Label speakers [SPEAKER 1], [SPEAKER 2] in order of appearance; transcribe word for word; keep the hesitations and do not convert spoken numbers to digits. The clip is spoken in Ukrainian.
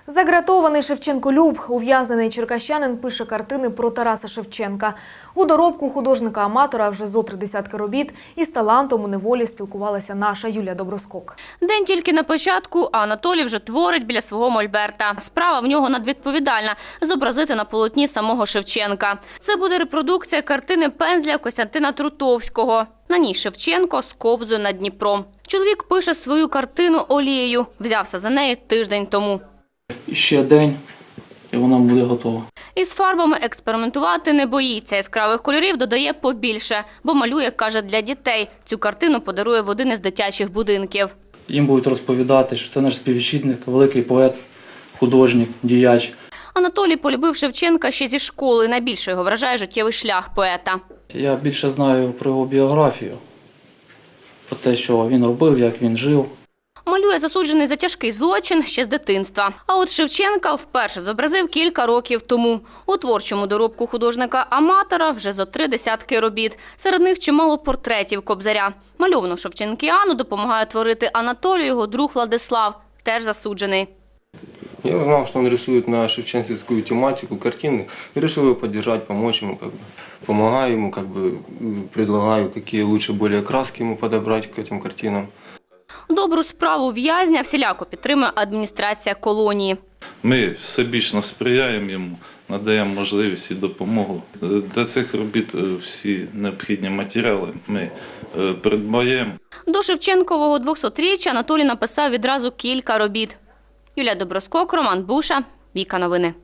[SPEAKER 1] Загратований Шевченко-люб, ув'язнений черкащанин, пише картини про Тараса Шевченка. У доробку художника-аматора вже зо три десятки робіт, і з талантом у неволі спілкувалася наша Юлія Доброскок.
[SPEAKER 2] День тільки на початку, а Анатолій вже творить біля свого мольберта. Справа в нього надвідповідальна – зобразити на полотні самого Шевченка. Це буде репродукція картини пензля Костянтина Трутовського. На ній Шевченко з кобзою над Дніпром. Чоловік пише свою картину олією. Взявся за неї тиждень тому.
[SPEAKER 3] Ще день, і вона буде готова.
[SPEAKER 2] Із фарбами експериментувати не боїться. Яскравих кольорів додає побільше, бо малює, каже, для дітей. Цю картину подарує в один із дитячих будинків.
[SPEAKER 3] Їм будуть розповідати, що це наш співвітчизник, великий поет, художник, діяч.
[SPEAKER 2] Анатолій полюбив Шевченка ще зі школи. Найбільше його вражає життєвий шлях поета.
[SPEAKER 3] Я більше знаю про його біографію, про те, що він робив, як він жив.
[SPEAKER 2] Малює засуджений за тяжкий злочин ще з дитинства. А от Шевченка вперше зобразив кілька років тому. У творчому доробку художника-аматора вже зо три десятки робіт. Серед них чимало портретів Кобзаря. Мальовану шевченкіану допомагає творити Анатолію його друг Владислав, теж засуджений.
[SPEAKER 4] Я узнал, что он рисует на шевченковскую тематику картины, и решил его поддержать, помочь ему, как бы, помогаю ему, как бы, предлагаю, какие лучше более краски ему подобрать к этим картинам.
[SPEAKER 2] Добру справу в'язня всіляко підтримує адміністрація колонії.
[SPEAKER 5] Ми всебічно сприяємо йому, надаємо можливість і допомогу. Для цих робіт всі необхідні матеріали ми придбаємо.
[SPEAKER 2] До Шевченкового двохсотріччя Анатолій написав відразу кілька робіт. Юлія Доброскок, Роман Буша, Віка Новини.